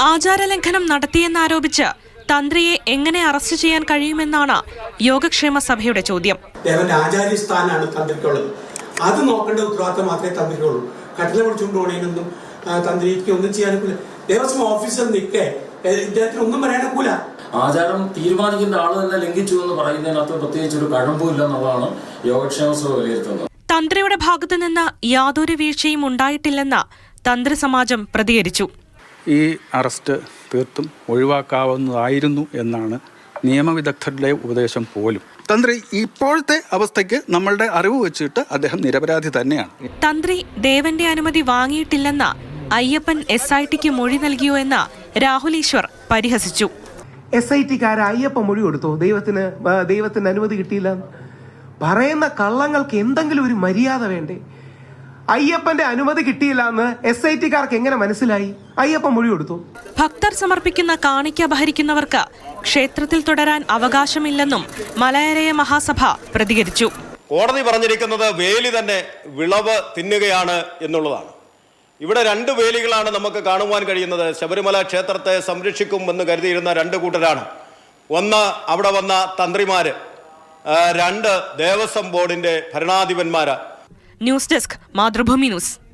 ആചാരലംഘനം നടത്തിയെന്നാരോപിച്ച് തന്ത്രിയെ എങ്ങനെ അറസ്റ്റ് ചെയ്യാൻ കഴിയുമെന്നാണ് യോഗക്ഷേമ സഭയുടെ ചോദ്യം. ദേവന്റെ ആചാര്യസ്ഥാനാണ് തന്ത്രിക്കുള്ളത്. അത് നോക്കേണ്ട ഉത്തരവാദിത്തം മാത്രമേ തന്ത്രിക്കുള്ളൂ. കട്ടിലെ പിടിച്ചുകൊണ്ടുപോകണേനൊന്നും തന്ത്രിക്ക് ഒന്നും ചെയ്യാനൊക്കില്ല. ദേവസ്വം ഓഫീസർ നിൽക്കെ ഇദ്ദേഹത്തിന് ഒന്നും പറയാനൊക്കില്ല. ആചാരം തീരുമാനിക്കുന്ന ആള് തന്നെ ലംഘിച്ചു എന്ന് പറയുന്നതിനകത്ത് പ്രത്യേകിച്ച് ഒരു കഴമ്പുമില്ല എന്നുള്ളതാണ് യോഗക്ഷേമ സഭ വിലയിരുത്തുന്നത്. തന്ത്രിയുടെ ഭാഗത്തു നിന്ന് യാതൊരു വീഴ്ചയും ഉണ്ടായിട്ടില്ലെന്ന് തന്ത്രി സമാജം പ്രതികരിച്ചു. ഈ അറസ്റ്റ് തീർത്തും ഒഴിവാക്കാവുന്നതായിരുന്നു എന്നാണ് നിയമവിദഗ്ധരുടെ ഉപദേശം പോലും. തന്ത്രി ഇപ്പോഴത്തെ അവസ്ഥയ്ക്ക് നമ്മളുടെ അറിവ് വെച്ചിട്ട് അദ്ദേഹം നിരപരാധി തന്നെയാണ്. തന്ത്രി ദേവന്റെ അനുമതി വാങ്ങിയിട്ടില്ലെന്ന് അയ്യപ്പൻ SITക്ക് മൊഴി നൽകിയോ എന്ന് രാഹുൽ ഈശ്വർ പരിഹസിച്ചു. SITക്കാരെ അയ്യപ്പൻ മൊഴി കൊടുത്തോ? ദൈവത്തിന് അനുമതി കിട്ടിയില്ല. പറയുന്ന കള്ളങ്ങൾക്ക് എന്തെങ്കിലും ഒരു മര്യാദ വേണ്ടേ? അയ്യപ്പന്റെ അനുമതി കിട്ടിയില്ല എന്ന് SITക്കാർക്ക് എങ്ങനെ മനസ്സിലായി? അയ്യപ്പൻ മൊഴി കൊടുത്തു. ഭക്തർ സമർപ്പിക്കുന്ന കാണിക്ക അപഹരിക്കുന്നവർക്ക് ക്ഷേത്രത്തിൽ തുടരാൻ അവകാശമില്ലെന്നും മലയരയ മഹാസഭ പ്രതികരിച്ചു. കോടതി പറഞ്ഞിരിക്കുന്നത് വേലി തന്നെ വിളവ് തിന്നുകയാണ് എന്നുള്ളതാണ്. ഇവിടെ രണ്ട് വേലികളാണ് നമുക്ക് കാണുവാൻ കഴിയുന്നത്. ശബരിമല ക്ഷേത്രത്തെ സംരക്ഷിക്കുമെന്ന് കരുതിയിരുന്ന രണ്ട് കൂട്ടരാണ്. ഒന്ന് അവിടെ വന്ന തന്ത്രിമാര്, രണ്ട് ദേവസ്വം ബോർഡിന്റെ ഭരണാധിപന്മാര്. News desk, Mathrubhumi news.